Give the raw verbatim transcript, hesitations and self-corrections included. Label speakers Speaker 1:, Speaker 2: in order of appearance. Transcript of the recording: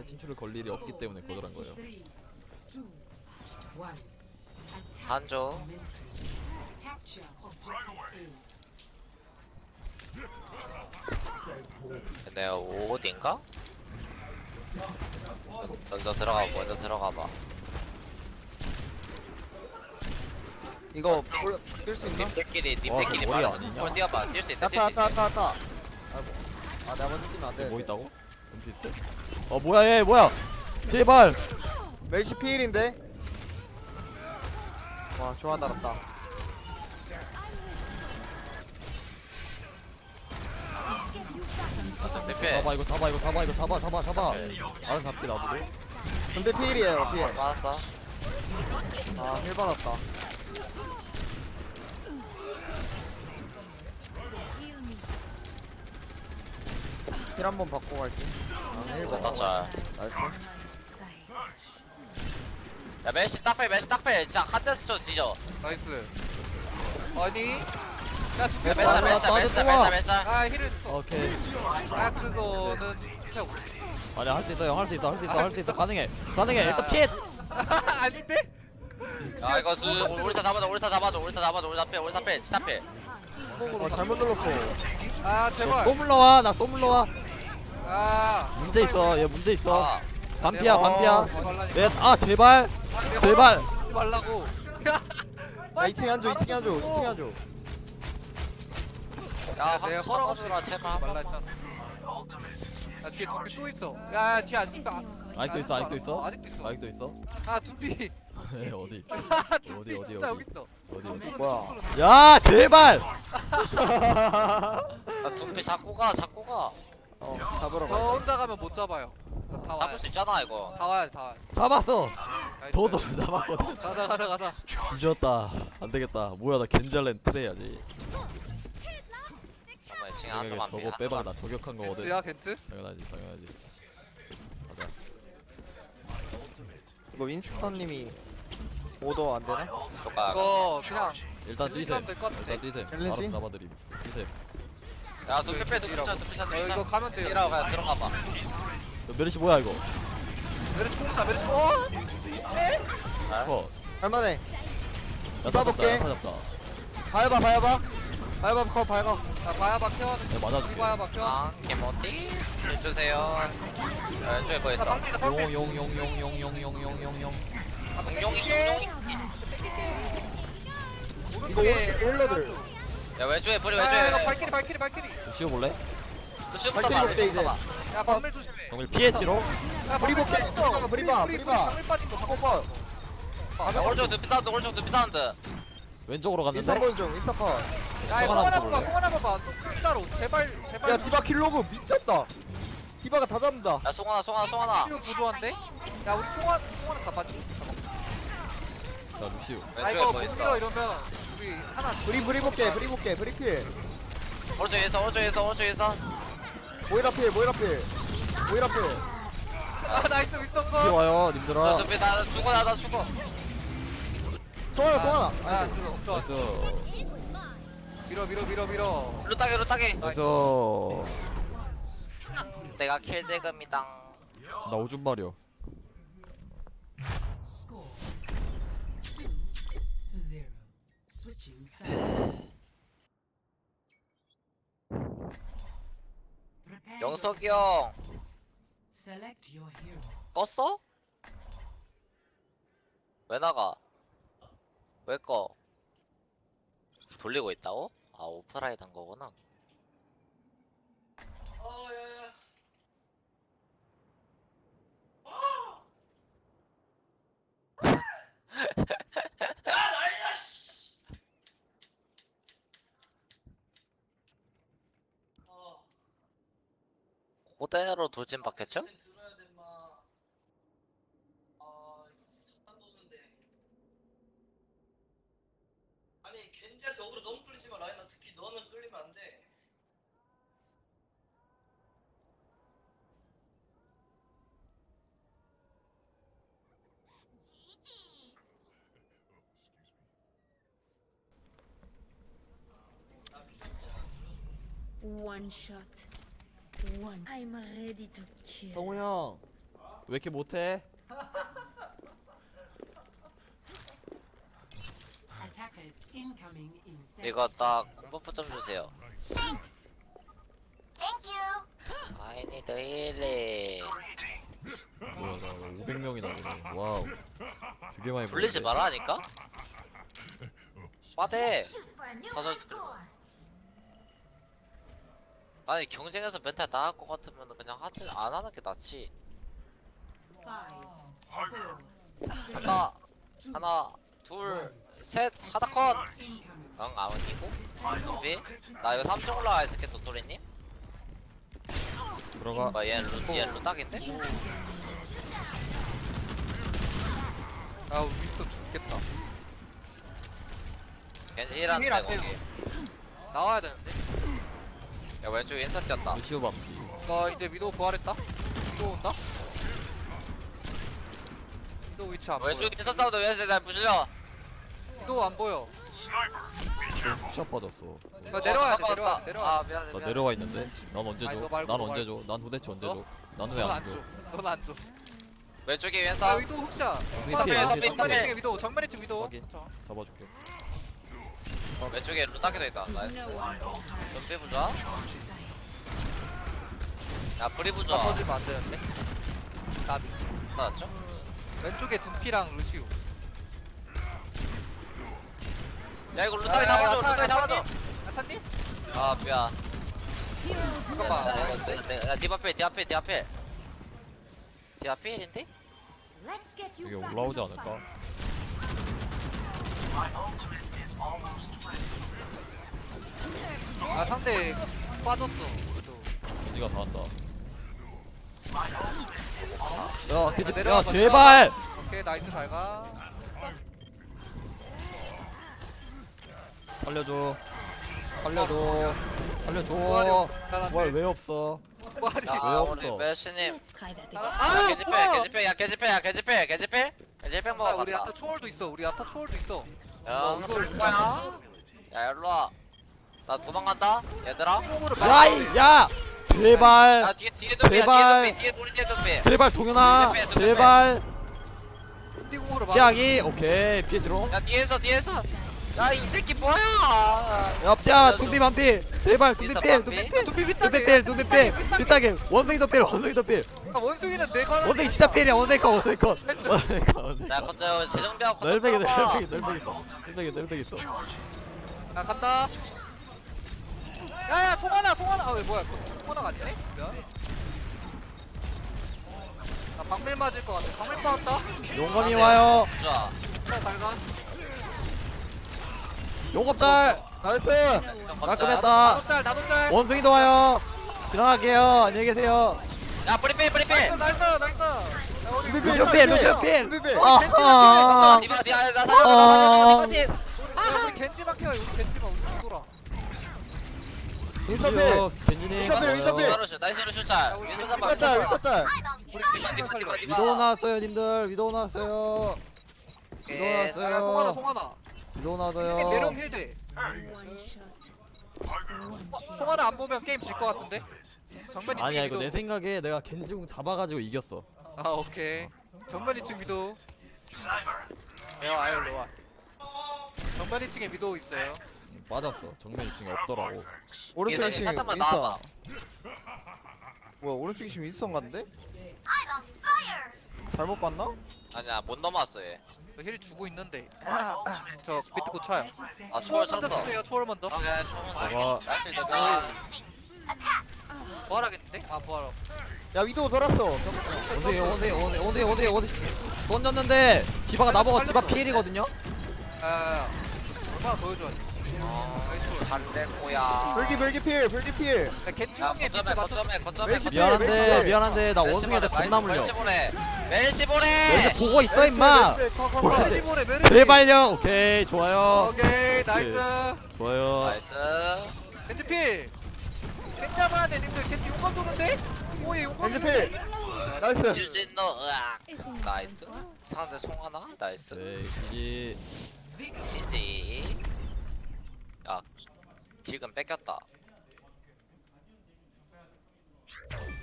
Speaker 1: 진출을 걸 일이 없기 때문에 거절한 거예요.
Speaker 2: 한조. 내가 어딘가? 먼저 들어가 먼저 들어가봐.
Speaker 3: 이거 뛸 수 있나?
Speaker 2: 님들끼리
Speaker 1: 와,
Speaker 2: 님들끼리
Speaker 1: 그 머리
Speaker 2: 말아서
Speaker 1: 아니냐?
Speaker 2: 볼 뛰어봐. 뛸 수 있다.
Speaker 3: 야타
Speaker 2: 뛸 수
Speaker 3: 야타
Speaker 2: 있다.
Speaker 3: 야타 야타. 아이고. 아 내가 먼저 뛰면 안 돼.
Speaker 1: 뭐 있다고? 좀 비슷해. 어 뭐야 얘 뭐야? 제발.
Speaker 3: 멜시 피일인데. 와 좋아 달았다.
Speaker 2: 대패.
Speaker 1: 잡아 이거 잡아 이거 잡아 이거 잡아 잡아 잡아. 알아서 잡게 놔두고.
Speaker 3: 근데 피일이에요 피일.
Speaker 2: 맞았어.
Speaker 3: 아힐 받았다. 힐 한번 받고 갈게. 아힐
Speaker 2: 이거
Speaker 3: 받아.
Speaker 2: 자.
Speaker 3: 나이스.
Speaker 2: 야 메시 딱패 메시 딱패. 진짜 한 대스 쳐 뒤져.
Speaker 4: 나이스. 아니. 야,
Speaker 2: 야
Speaker 4: 두개
Speaker 2: 메사
Speaker 1: 나-
Speaker 2: 메사
Speaker 1: 나도
Speaker 2: 메사
Speaker 1: 좋아.
Speaker 2: 메사 메사.
Speaker 4: 아, 힐을 써.
Speaker 1: 오케이.
Speaker 4: 아, 그거는 그냥
Speaker 1: 아니야 할 수 있어 형 할 수 있어 할 수 있어 할 수 있어 가능해 가능해 일단 피해.
Speaker 4: 아닌데?
Speaker 2: 야 이거 수 우리사 잡아줘 우리사 잡아줘 우리사 잡아줘 우리사 패 우리사 패 진짜 패.
Speaker 3: 어 잘못 눌렀어.
Speaker 4: 아, 제발.
Speaker 1: 또 물러와 나 또 물러와.
Speaker 4: 아.
Speaker 1: 문제 있어 얘 문제 있어.
Speaker 2: 아,
Speaker 1: 반피야
Speaker 3: 어,
Speaker 1: 반피야.
Speaker 4: 말라니까.
Speaker 1: 내 아 제발 제발.
Speaker 4: 말라고.
Speaker 3: 야 이 층에 앉아 이 층에 앉아 이 층에 앉아.
Speaker 2: 야
Speaker 4: 내가
Speaker 2: 확 잡아주라 제발 한
Speaker 4: 말라
Speaker 2: 번만.
Speaker 4: 했잖아. 야, 뒤에 두피 또 있어. 야, 야, 뒤에 아직도 안-
Speaker 1: 아직도 있어 아직도 있어?
Speaker 4: 아직도 있어.
Speaker 1: 아직도 있어?
Speaker 4: 아, 두피.
Speaker 1: 에 어디
Speaker 4: 어디
Speaker 1: 어디, 어디,
Speaker 4: 진짜
Speaker 1: 어디?
Speaker 4: 여기 있어.
Speaker 1: 어디 어디?
Speaker 3: 뭐야?
Speaker 1: 야 제발.
Speaker 2: 야 둠피 잡고 가 잡고 가.
Speaker 3: 어 잡으러
Speaker 4: 저
Speaker 3: 가.
Speaker 4: 혼자 가면 못 잡아요. 다 와야
Speaker 2: 잡을 수 있잖아 이거.
Speaker 4: 다 와야 다 와야.
Speaker 1: 잡았어.
Speaker 4: 나이스.
Speaker 1: 도도로 잡았거든.
Speaker 4: 가자 가자 가자.
Speaker 1: 뒤졌다. 안 되겠다. 뭐야 나 겐잘렌 트레야지.
Speaker 2: 정말 지금
Speaker 1: 생각에
Speaker 2: 한도만
Speaker 1: 저거 빼박 나 저격한 거거든.
Speaker 4: 겐트야 겐트?
Speaker 1: 당연하지 당연하지. 가자.
Speaker 3: 이거 윈스턴님이 오더 안 되나?
Speaker 2: 가.
Speaker 4: 이거 그냥
Speaker 1: 일단 뛰셈.
Speaker 4: 힐리면 될것 같은데.
Speaker 1: 일단 뛰셈.
Speaker 3: 챌린지?
Speaker 1: 알아서 잡아드림. 뛰셈.
Speaker 2: 야 둠피 빼 둠피 차 둠피 차
Speaker 4: 어,
Speaker 2: 둠피
Speaker 4: 이거
Speaker 2: 차.
Speaker 4: 가면 돼요.
Speaker 2: 뛰라고 그냥 들어가 봐.
Speaker 1: 너 메르시 뭐야 이거?
Speaker 4: 메르시 공차 메르시. 어?
Speaker 1: 컷.
Speaker 3: 할만해.
Speaker 1: 야타 잡자.
Speaker 3: 볼게.
Speaker 1: 야타 잡자.
Speaker 3: 봐봐 봐봐. 봐봐 컷 봐봐.
Speaker 4: 자, 바야바 켜.
Speaker 1: 내가 네, 맞아줄게.
Speaker 4: 우리 바야바 켜.
Speaker 2: 아 개모티 해주세요. 왼쪽에 뭐
Speaker 4: 자,
Speaker 2: 있어?
Speaker 4: 방피다 방피.
Speaker 1: 용용용용용용용용용용.
Speaker 2: 용용이 용용이.
Speaker 3: 이거 오른쪽 힐러들.
Speaker 2: 야 왼쪽에 뿌리
Speaker 4: 야, 야, 이거
Speaker 2: 왼쪽에.
Speaker 4: 발키리 발키리 발키리.
Speaker 1: 씌워볼래?
Speaker 2: 루시부터
Speaker 3: 발키리
Speaker 2: 봐
Speaker 3: 없대, 이제.
Speaker 2: 루시부터 봐.
Speaker 4: 야, 방밀 조심해.
Speaker 1: 정밀 피했지로?
Speaker 4: 야,
Speaker 3: 브리 볼게. 잠깐만, 브리 봐,
Speaker 4: 브리
Speaker 3: 브리 봐.
Speaker 4: 방밀 빠진 거.
Speaker 3: 잠깐 봐.
Speaker 2: 야 오른쪽 둠피 사운드 오른쪽 둠피 사운드.
Speaker 1: 왼쪽으로 갔는데?
Speaker 3: 인사 본 중. 인사 컷.
Speaker 4: 야, 이거
Speaker 1: 송하나
Speaker 4: 하나
Speaker 1: 볼래?
Speaker 4: 봐봐. 송 하나 봐봐. 또 진짜로 제발 제발.
Speaker 3: 야 디바 킬로그 미쳤다. 디바가 다 잡는다.
Speaker 2: 야 송하나 송하나 송하나.
Speaker 4: 지금 부조한데? 야, 우리 송하 송하나 다 빠지.
Speaker 1: 자 루시우.
Speaker 4: 아,
Speaker 2: 왼쪽에
Speaker 4: 이거
Speaker 2: 뭐
Speaker 4: 못
Speaker 2: 있어?
Speaker 4: 밀어 이러면 우리 하나
Speaker 3: 브리 브리 볼게. 브리 볼게. 브리 필.
Speaker 2: 오른쪽에 있어 오른쪽에 있어 오른쪽에 있어.
Speaker 3: 모이라 필. 모이라 필. 모이라 필.
Speaker 4: 아, 나이스 윈스턴
Speaker 1: 뒤에
Speaker 4: 거.
Speaker 1: 와요
Speaker 2: 저
Speaker 1: 님들아.
Speaker 2: 둠피 나 죽어 나나 죽어.
Speaker 3: 송하나 송하나.
Speaker 4: 아, 아, 그거 없어.
Speaker 1: 나이스.
Speaker 4: 밀어 밀어 밀어 밀어.
Speaker 2: 루따기 루따기.
Speaker 1: 나이스.
Speaker 2: 내가 킬대금이당.
Speaker 1: 나 오줌 마려.
Speaker 5: Score two to zero. Switching sides. Prepare
Speaker 2: 영석이
Speaker 5: your
Speaker 2: 형
Speaker 5: defenses. Select your hero.
Speaker 2: 껐어? 왜 나가? 왜 꺼? 돌리고 있다고? 아 오프라인 한 거구나. 그대로 돌진 받겠죠?
Speaker 6: 아니 겐지한테 어그로 너무 끌리지만 라인아 특히 너는 끌리면 안 돼.
Speaker 7: One shot. One. I'm ready to kill.
Speaker 3: 성우 형.
Speaker 1: 왜 이렇게 못해?
Speaker 5: Attackers incoming in
Speaker 2: 이거 딱 공버프 좀 주세요. I need healing.
Speaker 1: 뭐야 나 오백 명이나 보네. 와우. 되게 많이
Speaker 2: 돌리지
Speaker 1: 보는데.
Speaker 2: 말라니까? 빠대. 사설 스크린. 아니 경쟁에서 멘탈 나갈 것 같으면 그냥 하지 안 하는 게 낫지. 하나, 하나, 둘, 셋, 하나 컷.
Speaker 5: incoming.
Speaker 2: 응, 아웃이고. 준비. 나 이거 삼 층 올라가 있을게 도토리님.
Speaker 1: 들어가.
Speaker 2: 뭐 얘 루, 얘 루딱인데?
Speaker 4: 아 윈스턴 죽겠다.
Speaker 2: 겐지란
Speaker 4: 힐안
Speaker 2: 거기.
Speaker 4: 돼요. 나와야 되는데.
Speaker 2: 야 왼쪽에 인사 뛰었다.
Speaker 1: 루시오 밤.
Speaker 4: 나 이제 위도우 부활했다. 위도우 온다. 위도우 위치 안 보여.
Speaker 2: 왼쪽에 인사 싸우도 왜 날 부실려?
Speaker 4: 위도우 안 보여.
Speaker 1: 샷 빠졌어.
Speaker 4: 나 내려와야 돼.
Speaker 2: 어,
Speaker 4: 내려와.
Speaker 2: 깜빡았다.
Speaker 4: 내려와.
Speaker 2: 아 미안해
Speaker 1: 나
Speaker 2: 미안해.
Speaker 1: 내려와 있는데. 난 언제
Speaker 4: 아니,
Speaker 1: 줘?
Speaker 4: 너 말고,
Speaker 1: 난
Speaker 4: 너
Speaker 1: 언제
Speaker 4: 말고.
Speaker 1: 줘? 난 도대체 언제
Speaker 4: 너?
Speaker 1: 줘? 난 왜
Speaker 4: 넌
Speaker 1: 안
Speaker 4: 안
Speaker 1: 줘?
Speaker 4: 줘. 넌 안 줘.
Speaker 2: 왼쪽에
Speaker 4: 아
Speaker 2: 왼사.
Speaker 4: 위도우 흑샷.
Speaker 1: 위도우
Speaker 4: 정면에
Speaker 1: 피해,
Speaker 4: 정면에
Speaker 1: 위도우 피해.
Speaker 4: 층에 위도우. 정면에 층 위도우.
Speaker 1: 확인. 잡아줄게.
Speaker 2: 왼쪽에 루딱이도 있다. 나이스. 눈빛 부자. 야 브리
Speaker 4: 나
Speaker 2: 부자.
Speaker 4: 터지면 안 되는데. 나비.
Speaker 2: 나왔죠?
Speaker 4: 왼쪽에 둠피랑 루시우.
Speaker 2: 야 이거 루딱이 잡아줘. 루딱이 잡아줘.
Speaker 4: 나타님?
Speaker 2: 아 미안.
Speaker 4: 잠깐만.
Speaker 2: 야, 이거 내- 내- 야, 니 앞에 니 앞에 니 앞에. 니 앞에인데?
Speaker 1: 이게 올라오지 않을까?
Speaker 4: 아 상대 빠졌어. 위도우.
Speaker 1: 겐지가 다 한다. 야, 겐지, 야
Speaker 4: 내려와봐,
Speaker 1: 제발.
Speaker 4: 오케이 나이스 잘 가.
Speaker 1: 살려줘. 살려줘. 살려줘.
Speaker 4: 나한테.
Speaker 1: 뭘 왜 없어?
Speaker 4: 부활이.
Speaker 2: 야
Speaker 1: 왜
Speaker 2: 우리
Speaker 1: 없어?
Speaker 2: 메시님. 야
Speaker 4: 아
Speaker 2: 개지필
Speaker 4: 뭐야?
Speaker 2: 개지필 야 개지필 야 개지필 개지필 개지필
Speaker 4: 아,
Speaker 2: 먹어
Speaker 4: 우리
Speaker 2: 갔다.
Speaker 4: 아타 초월도 있어. 우리 아타 초월도 있어.
Speaker 2: 야
Speaker 4: 어,
Speaker 2: 이거 쏠 거야? 야 일로와. 나 도망간다 얘들아.
Speaker 1: 야, 이, 야, 제발.
Speaker 2: 야 뒤에 뒤에 좀비야
Speaker 1: 제발.
Speaker 2: 뒤에 좀비 뒤에 우리 뒤에 좀비.
Speaker 1: 제발 동현아.
Speaker 2: 좀 빼, 좀
Speaker 1: 제발.
Speaker 4: 인디공으로 막.
Speaker 1: 피하기. 오케이. 피해지롱.
Speaker 2: 야 뒤에서 뒤에서. 야 이 새끼 뭐야?
Speaker 1: 야, 둠비 반피. 제발 둠비
Speaker 2: 인스타
Speaker 1: 필.
Speaker 2: 반피?
Speaker 1: 둠비 필.
Speaker 4: 둠비
Speaker 1: 둠비 필. 둠비 필. 뒷다게. 원숭이도 필. 원숭이도 필.
Speaker 4: 아, 원숭이는 내가 하는
Speaker 1: 원숭이
Speaker 4: 게
Speaker 1: 진짜
Speaker 4: 아니야.
Speaker 1: 필이야. 원숭이 컷. 원숭이 컷. 원숭이 컷. 원숭이
Speaker 2: 야
Speaker 1: 컷.
Speaker 2: 거저 재정비하고 거저
Speaker 1: 널백이
Speaker 2: 풀어봐.
Speaker 1: 널백이 널백이 있어. 널백이 널백이 있어.
Speaker 4: 야 간다. 야야 송하나 송하나. 아왜 뭐야? 그거 송하나가 아니네? 미안. 나 방밀 맞을 것 같아. 방밀 빠졌다.
Speaker 1: 용건이 와요.
Speaker 2: 자
Speaker 4: 자, 잘 가.
Speaker 1: 용겁잘.
Speaker 3: 나이스.
Speaker 1: 깔끔했다.
Speaker 4: 나도 짤 나도 짤.
Speaker 1: 원숭이도 와요. 지나갈게요. 안녕히 계세요.
Speaker 2: 야 브리필 브리필.
Speaker 4: 나이스 나이스. 야, 우리
Speaker 3: 둠비
Speaker 1: 루시오 필. 루시오 필.
Speaker 3: 둠비 필.
Speaker 1: 아하.
Speaker 2: 니마 니마 나
Speaker 1: 아.
Speaker 2: 살려줘 니마 팀.
Speaker 4: 야, 우리 겐지 막혀. 우리 겐지 막 우리 돌아.
Speaker 3: 인서필.
Speaker 1: 루시오 겐지님.
Speaker 3: 인터필, 인터필.
Speaker 1: 와요.
Speaker 2: 나이스 나이스 슛잘. 윈선 잡아 윈선
Speaker 3: 윗다짤
Speaker 2: 잡아.
Speaker 3: 윗다짤.
Speaker 4: 우리
Speaker 2: 니마 니마 니마 니마.
Speaker 1: 위도우 나왔어요, 님들. 위도우 나왔어요. 위도우
Speaker 2: 예.
Speaker 4: 야 송하나
Speaker 1: 나왔어요.
Speaker 4: 송하나.
Speaker 1: 위도우
Speaker 4: 내려오면
Speaker 1: 나왔어요.
Speaker 4: 힐돼. 어, 송하나 안 보면 게임 질 것 같은데? 정면
Speaker 1: 아니야,
Speaker 4: 이층
Speaker 1: 이거 내
Speaker 4: 위도.
Speaker 1: 생각에 내가 겐지궁 잡아가지고 이겼어.
Speaker 4: 아 오케이. 정면 이층 위도. 야 아일로 와. 정면 이층에 위도 있어요.
Speaker 1: 맞았어. 정면 이 층에 없더라고.
Speaker 3: 오른쪽
Speaker 2: 이선이
Speaker 3: 이층
Speaker 2: 살짝만
Speaker 3: 인싸.
Speaker 2: 나와봐.
Speaker 3: 뭐야 오른쪽 이층 인싸 갔는데? 잘못 봤나?
Speaker 2: 아니야 못 넘어왔어 얘.
Speaker 4: 저힐 주고 있는데. 저 비트 고쳐요.
Speaker 2: 아 초월
Speaker 4: 먼저
Speaker 2: 쳤어.
Speaker 4: 쓰세요. 초월 먼저.
Speaker 2: 오케이 초월
Speaker 1: 저거-
Speaker 2: 나이스 일단.
Speaker 4: 부활하겠는데? 아 부활.
Speaker 3: 야 위도우 돌았어.
Speaker 1: 원숭이, 원숭이, 원숭이, 원숭이, 원숭이, 원숭이. 던졌는데 디바가 나보고 디바 피일이거든요.
Speaker 4: 아 얼마나 보여줘야 돼.
Speaker 2: 잘될 거야.
Speaker 3: 별기 별기 필 별기 필.
Speaker 4: 야 겐지
Speaker 2: 야
Speaker 4: 형의
Speaker 2: 거점에
Speaker 4: 비트 맞춰.
Speaker 2: 거점에 거점에
Speaker 3: 멜시
Speaker 2: 거점에.
Speaker 3: 멜시
Speaker 1: 미안한데,
Speaker 3: 멜시
Speaker 1: 미안한데 나 원숭이한테 겁나 물려.
Speaker 2: 멜시 보내. 멜시
Speaker 1: 멜시
Speaker 2: 보내.
Speaker 1: 보고 있어 임마.
Speaker 3: 뭐야?
Speaker 4: 멜시 보내 멜시.
Speaker 1: 제발요. 오케이, 좋아요.
Speaker 4: 오케이 나이스.
Speaker 1: 좋아요.
Speaker 2: 나이스.
Speaker 4: 겐지 필. 겐지 잡아야 돼 님들. 겐지 용감 도는데? 오예 용감.
Speaker 3: 겐지 필. 나이스.
Speaker 2: 유진노 으악. 나이스. 상대 송하나 나이스.
Speaker 1: 네, 겐지.
Speaker 2: 지지. 야 지금 뺏겼다.